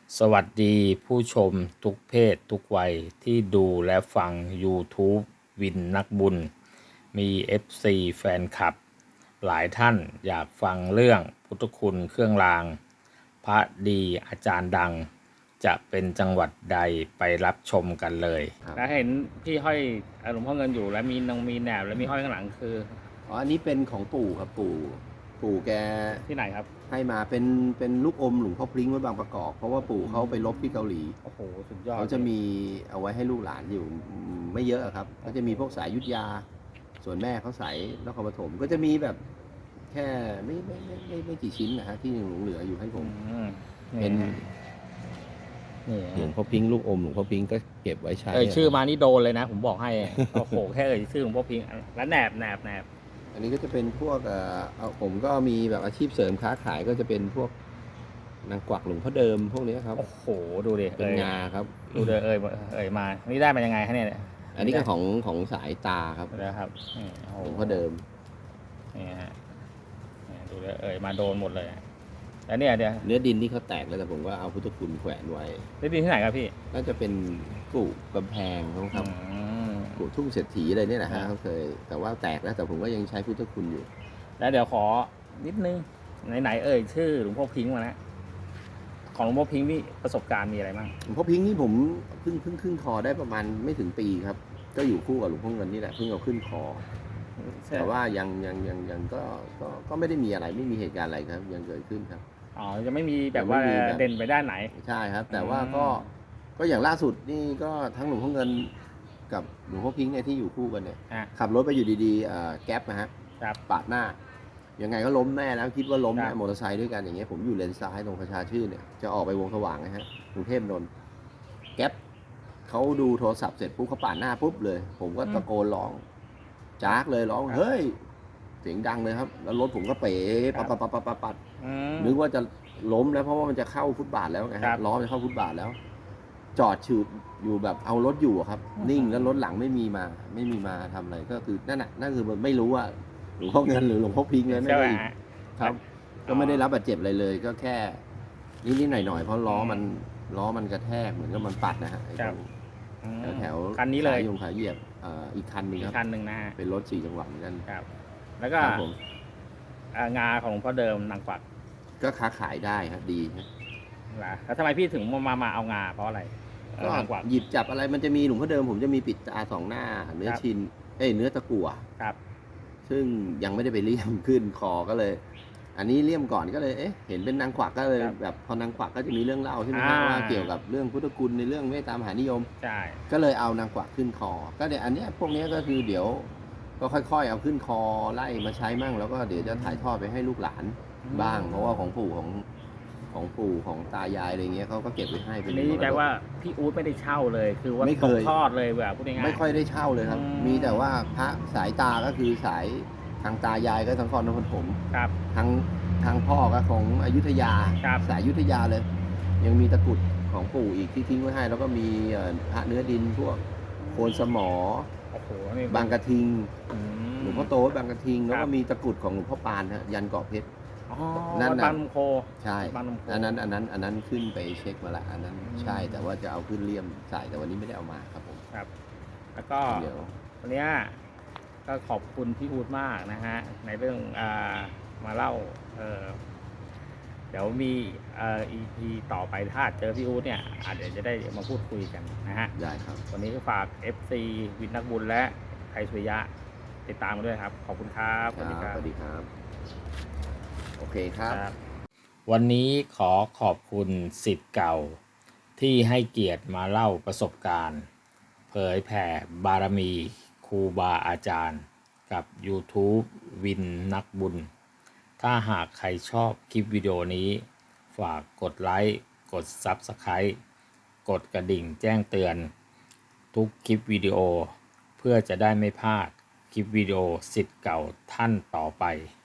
สวัสดีผู้ชมทุกเพศทุกวัยที่ดูและฟัง YouTube วินนักบุญ มี FC แฟนคลับ หลายท่านอยากฟังเรื่องพุทธคุณเครื่องราง พระดีอาจารย์ดัง จะเป็นจังหวัดใดไปรับชมกันเลยแล้วเห็นพี่ห้อยหลวงพ่อเงินอยู่แล้วมีแหนบแล้วมีห้อยข้างหลังคืออันนี้เป็นของปู่ครับปู่แกที่ไหนครับให้มาเป็นลูกอมหลวงพ่อพลิ้งไว้บางประกอบเพราะว่าปู่เขาไปรบที่เกาหลีโอ้โหสุดยอดเขาจะมีเอาไว้ให้ลูกหลานอยู่ไม่เยอะครับก็จะมีพวกสายยุทธยา ส่วนแม่เขาสายนครปฐมก็จะมีแบบแค่ไม่กี่ชิ้นนะฮะที่เหลืออยู่ให้ผมเป็นหลวงพ่อพิงค์ลูกอมหลวงพ่อพิงค์ก็เก็บไว้ใช้ชื่อมานี่โดนเลยนะผมบอกให้โอ้โหแค่ชื่อหลวงพ่อพิงค์แล้วแหนบอันนี้ก็จะเป็นพวกผมก็มีแบบอาชีพเสริมค้าขายก็จะเป็นพวกนางกวักหลวงพ่อเดิมพวกนี้ครับโอ้โหดูดิเป็นงาครับดูเเอ่ยมานี่ได้มายังไงฮะเนี่ยอันนี้ก็ของสายตาครับนะครับหลวงพ่อเดิมนี่ฮะดูมาโดนหมดเลยแล้วเนี่ยเนื้อดินที่เขาแตกแล้วแต่ผมก็เอาพุทธคุณแขวนไว้เนื้อดินที่ไหนครับพี่น่าจะเป็นกู่กำแพงครับกู่ทุ่งเศรษฐีอะไรเนี่ยนะฮะเขาเคยแต่ว่าแตกแล้วแต่ผมก็ยังใช้พุทธคุณอยู่แล้วเดี๋ยวขอนิดนึงไหนชื่อหลวงพ่อพิงค์มาแล้วของหลวงพ่อพิงค์นี่ประสบการณ์มีอะไรบ้างหลวงพ่อพิงค์นี่ผมเพิ่งขึ้นคอได้ประมาณไม่ถึงปีครับก็อยู่คู่กับหลวงพ่อเงินนี่แหละเพิ่งเอาขึ้นคอแต่ว่ายังก็ไม่ได้มีอะไรไม่มีเหตุการณ์อะไรครับยังเกิดขึ้นครับยังไม่มีแบบว่าเด่นไปด้านไหนใช่ครับแต่ว่าก็อย่างล่าสุดนี่ก็ทั้งหลวงพ่อเงินกับหลวงพ่อพิงค์เนี่ยที่อยู่คู่กันเนี่ยขับรถไปอยู่ดีๆแก๊ปนะฮะปาดหน้ายังไงก็ล้มแน่แล้วคิดว่าล้มแน่มอเตอร์ไซค์ด้วยกันอย่างเงี้ยผมอยู่เลนซ้ายตรงประชาชื่นเนี่ยจะออกไปวงสว่างนะฮะกรุงเทพนนท์แก๊ปเขาดูโทรศัพท์เสร็จปุ๊บเขาปาดหน้าปุ๊บเลยผมก็ตะโกนร้องจากเลยร้องเฮ้ยเสียงดังเลยครับแล้วรถผมก็เป๋ปัดนึกว่าจะล้มแล้วเพราะว่ามันจะเข้าฟุตบาทแล้วไงฮะล้อจะเข้าฟุตบาทแล้วจอดฉืดอยู่แบบเอารถอยู่ครับนิ่งแล้วรถหลังไม่มีมาทำอะไรก็คือนั่นคือไม่รู้ว่าหลวงพ่อเงินหรือหลวงพ่อพิงค์เลยไม่ได้ครับก็ไม่ได้รับบาดเจ็บอะไรเลยก็แค่นิดหน่อยเพราะล้อมันกระแทกเหมือนกับมันปัดนะฮะแถวคันนี้เลยยงขาเหยียบอีกคันหนึ่งครับคันหนึ่งนะเป็นรถ4 จังหวะเหมือนกันครับแล้วก็งาของหลวงพ่อเดิมนางกวักก็ค้าขายได้ครับดีครับแล้วทำไมพี่ถึงมาเอางาเพราะอะไรก็หยิบจับอะไรมันจะมีหลวงพ่อเดิมผมจะมีปิดตา2 หน้าเนื้อชินเนื้อตะกั่วครับซึ่งยังไม่ได้ไปเลี่ยมขึ้นคอก็เลย อันนี้เลี่ยมก่อนก็เลยเห็นเป็นนางกวักก็เลยแบบพอนางกวักก็จะมีเรื่องเล่าใช่ไหมครับว่าเกี่ยวกับเรื่องพุทธคุณในเรื่องเมตตามหานิยมใช่ก็เลยเอานางกวักขึ้นคอก็เดี๋ยวอันนี้พวกนี้ก็คือเดี๋ยวก็ค่อยๆเอาขึ้นคอไล่มาใช้มั่งแล้วก็เดี๋ยวจะถ่ายทอดไปให้ลูกหลานบ้างเพราะว่าของปู่ของตายายอะไรเงี้ยเขาก็เก็บไว้ให้เป็นนี่แปลว่าพี่อู๊ดไม่ได้เช่าเลยคือว่าตกทอดเลยแบบพูดง่ายไม่ค่อยได้เช่าเลยครับมีแต่ว่าพระสายตาก็คือสายทางตายายก็ทางนครปฐมทางพ่อก็ของอยุธยาสายอยุธยาเลยยังมีตะกุดของปู่อีกที่ทิ้งไว้ให้แล้วก็มีพระเนื้อดินพวกโคนสมอบางกระทิงหลวงพ่อโตบางกระทิงแล้วก็มีตะกุดของหลวงพ่อปานฮะยันเกาะเพชรนั่นบางลำโคใช่อันนั้นขึ้นไปเช็คมาละอันนั้นใช่แต่ว่าจะเอาขึ้นเลี่ยมใส่แต่วันนี้ไม่ได้เอามาครับผมครับแล้วก็วันนี้ก็ขอบคุณพี่อู๊ดมากนะฮะในเรื่องมาเล่าเดี๋ยวมีEP ต่อไปถ้าเจอพี่อู๊ดเนี่ยเดี๋ยวจะได้มาพูดคุยกันนะฮะได้ครับวันนี้ก็ฝาก FC วินนักบุญและไทยสุริยะติดตามมาด้วยครับขอบคุณครับสวัสดีครับโอเคครับวันนี้ขอบคุณศิษย์เก่าที่ให้เกียรติมาเล่าประสบการณ์เผยแผ่บารมีครูบาอาจารย์กับ YouTube วินนักบุญถ้าหากใครชอบคลิปวิดีโอนี้ฝากกดไลค์กด Subscribe กดกระดิ่งแจ้งเตือนทุกคลิปวิดีโอเพื่อจะได้ไม่พลาดคลิปวิดีโอศิษย์เก่าท่านต่อไป